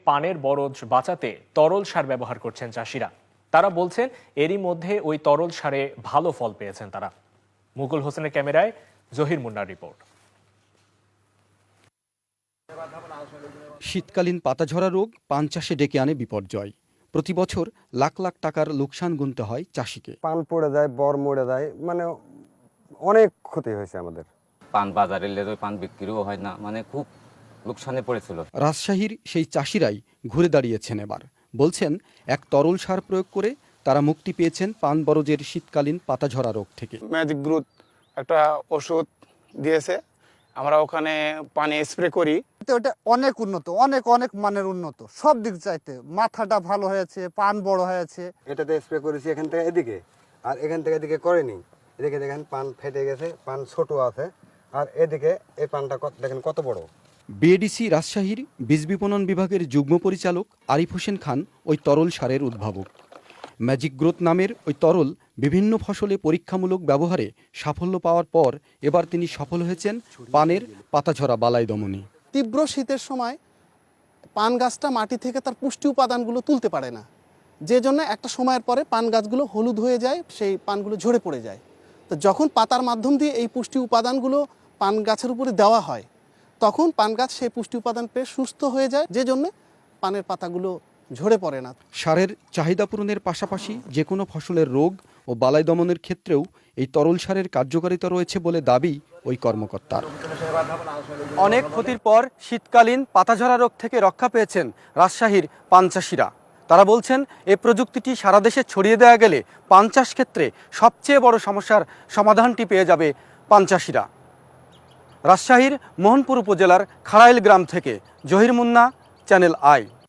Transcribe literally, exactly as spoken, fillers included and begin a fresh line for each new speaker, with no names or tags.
পানের বরজ বাঁচাতে তরল সার ব্যবহার করছেন চাষিরা। তারা বলছেন এরই মধ্যে ওই তরল সারে ভালো ফল পেয়েছেন তারা। মুকুল হোসেনের ক্যামেরায় জহির মুন্নার রিপোর্ট।
শীতকালীন পাতাঝরা রোগ পান চাষে ডেকে আনে বিপর্যয়। প্রতি বছর লাখ লাখ টাকার লোকসান গুনতে হয় চাষিকে।
পান পড়ে যায়, বর মরে যায়, মানে অনেক ক্ষতি হয়েছে আমাদের।
পান বাজারে এলে পান বিক্রিও হয় না, মানে খুব লোকসানে পড়েছিল।
রাজশাহীর সেই চাষিরাই ঘুরে দাঁড়িয়েছেন এবার। বলছেন এক তরল সার প্রয়োগ করে তারা মুক্তি পেয়েছেন পান বরজের শীতকালীন পাতাঝরা রোগ থেকে।
ম্যাজিক গ্রোথ একটা ওষুধ দিয়েছে, আমরা ওখানে পানি স্প্রে করি।
ওটা অনেক উন্নত, অনেক অনেক মানের উন্নত, সব দিক চাইতে মাথাটা ভালো হয়েছে, পান বড় হয়েছে।
এটাতে স্প্রে করেছি এখান থেকে এদিকে, আর এখান থেকে এদিকে করেনি। এদিকে দেখেন পান ফেটে গেছে, পান ছোট আছে, আর এদিকে এই পানটা দেখেন কত বড়।
বিএডিসি রাজশাহীর বীজ বিপণন বিভাগের যুগ্ম পরিচালক আরিফ হোসেন খান ওই তরল সারের উদ্ভাবক। ম্যাজিক গ্রোথ নামের ওই তরল বিভিন্ন ফসলে পরীক্ষামূলক ব্যবহারে সাফল্য পাওয়ার পর এবার তিনি সফল হয়েছেন পানের পাতাঝরা বালাই দমনে।
তীব্র শীতের সময় পান গাছটা মাটি থেকে তার পুষ্টি উপাদানগুলো তুলতে পারে না, যে জন্য একটা সময়ের পরে পান গাছগুলো হলুদ হয়ে যায়, সেই পানগুলো ঝরে পড়ে যায়। তো যখন পাতার মাধ্যম দিয়ে এই পুষ্টি উপাদানগুলো পান গাছের উপরে দেওয়া হয়, তখন পান গাছ সেই পুষ্টি উপাদান পেয়ে সুস্থ হয়ে যায়, যে জন্য পানের পাতাগুলো ঝরে পড়ে না।
সারের চাহিদা পূরণের পাশাপাশি যে কোনো ফসলের রোগ ও বালাই দমনের ক্ষেত্রেও এই তরল সারের কার্যকারিতা রয়েছে বলে দাবি ওই কর্মকর্তার। অনেক ক্ষতির পর শীতকালীন পাতাঝরা রোগ থেকে রক্ষা পেয়েছেন রাজশাহীর পান চাষিরা। তারা বলছেন এই প্রযুক্তিটি সারা দেশে ছড়িয়ে দেওয়া গেলে পান চাষ ক্ষেত্রে সবচেয়ে বড় সমস্যার সমাধানটি পেয়ে যাবে পান চাষিরা। রাজশাহীর মোহনপুর উপজেলার খাড়াইল গ্রাম থেকে জহির মুন্না, চ্যানেল আই।